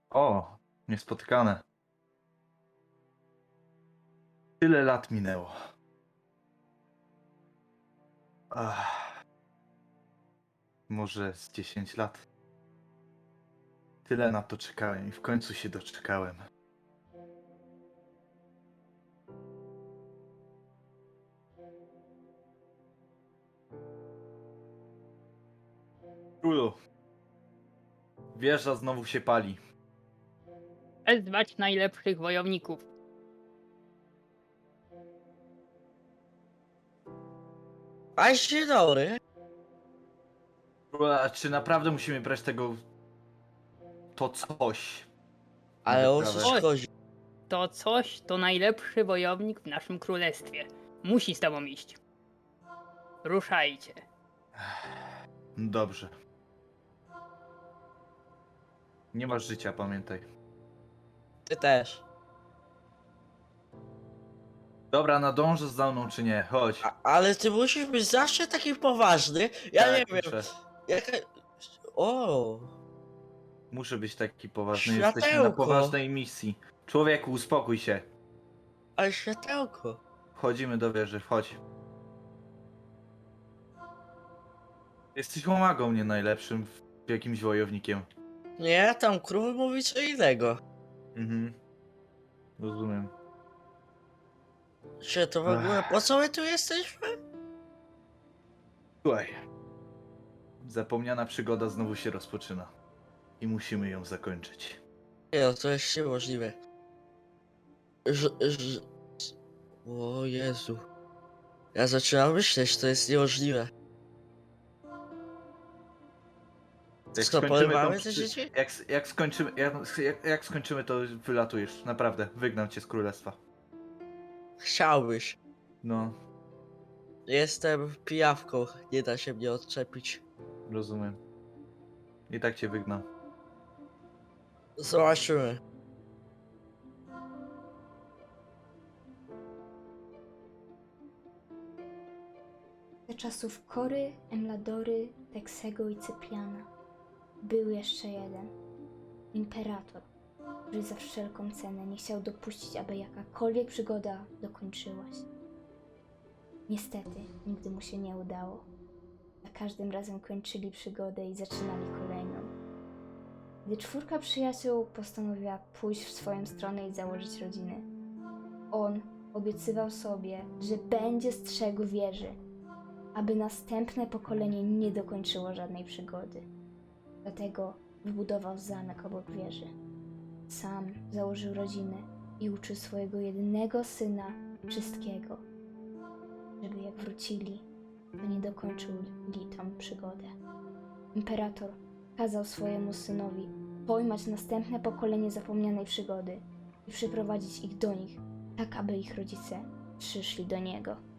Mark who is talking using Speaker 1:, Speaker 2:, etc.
Speaker 1: O, niespotykane. Tyle lat minęło. Może z 10 lat. Tyle na to czekałem i w końcu się doczekałem. Królu, wieża znowu się pali.
Speaker 2: Wezwać najlepszych wojowników.
Speaker 3: A dzień dobry.
Speaker 1: Królu, a czy naprawdę musimy brać tego... to coś? na
Speaker 3: Ale o
Speaker 1: wyprawę?
Speaker 3: co ci chodzi?
Speaker 2: To coś to najlepszy wojownik w naszym królestwie. Musi z tobą iść. Ruszajcie.
Speaker 1: Dobrze. Nie masz życia, pamiętaj.
Speaker 3: Ty też.
Speaker 1: Dobra, nadążysz za mną czy nie? Chodź.
Speaker 3: Ale ty musisz być zawsze taki poważny. Ja
Speaker 1: Tak,
Speaker 3: nie wiem.
Speaker 1: muszę.
Speaker 3: Jaka... O.
Speaker 1: Muszę być taki poważny. Jesteśmy na
Speaker 3: Światełko.
Speaker 1: poważnej misji. Człowieku, uspokój się.
Speaker 3: Ale światełko.
Speaker 1: Wchodzimy do wieży, wchodź. Jesteś łomagą, nie najlepszym jakimś wojownikiem.
Speaker 3: Nie, tam król mówi co innego.
Speaker 1: Mhm. Rozumiem.
Speaker 3: Czy to w ogóle po co my tu jesteśmy?
Speaker 1: Słuchaj. Zapomniana przygoda znowu się rozpoczyna. I musimy ją zakończyć.
Speaker 3: Nie, no to jest niemożliwe. Ż... O Jezu. Ja zaczynam myśleć, to jest niemożliwe. Co, porywamy te dzieci?
Speaker 1: Jak skończymy, to wylatujesz. Naprawdę, wygnam cię z królestwa.
Speaker 3: Chciałbyś.
Speaker 1: No,
Speaker 3: Jestem pijawką, nie da się mnie odczepić.
Speaker 1: rozumiem. I tak cię wygnam.
Speaker 3: Zobaczymy.
Speaker 4: Za czasów Kory, Emladory, Teksego i Cypriana był jeszcze jeden imperator, który za wszelką cenę nie chciał dopuścić, aby jakakolwiek przygoda dokończyła się. Niestety, nigdy mu się nie udało. Za każdym razem kończyli przygodę i zaczynali kolejną. Gdy czwórka przyjaciół postanowiła pójść w swoją stronę i założyć rodziny, on obiecywał sobie, że będzie strzegł wieży, aby następne pokolenie nie dokończyło żadnej przygody. Dlatego wybudował zamek obok wieży. Sam założył rodzinę i uczył swojego jedynego syna wszystkiego, żeby jak wrócili, to nie dokończyli tą przygodę. Imperator kazał swojemu synowi pojmać następne pokolenie zapomnianej przygody i przyprowadzić ich do nich, tak aby ich rodzice przyszli do niego.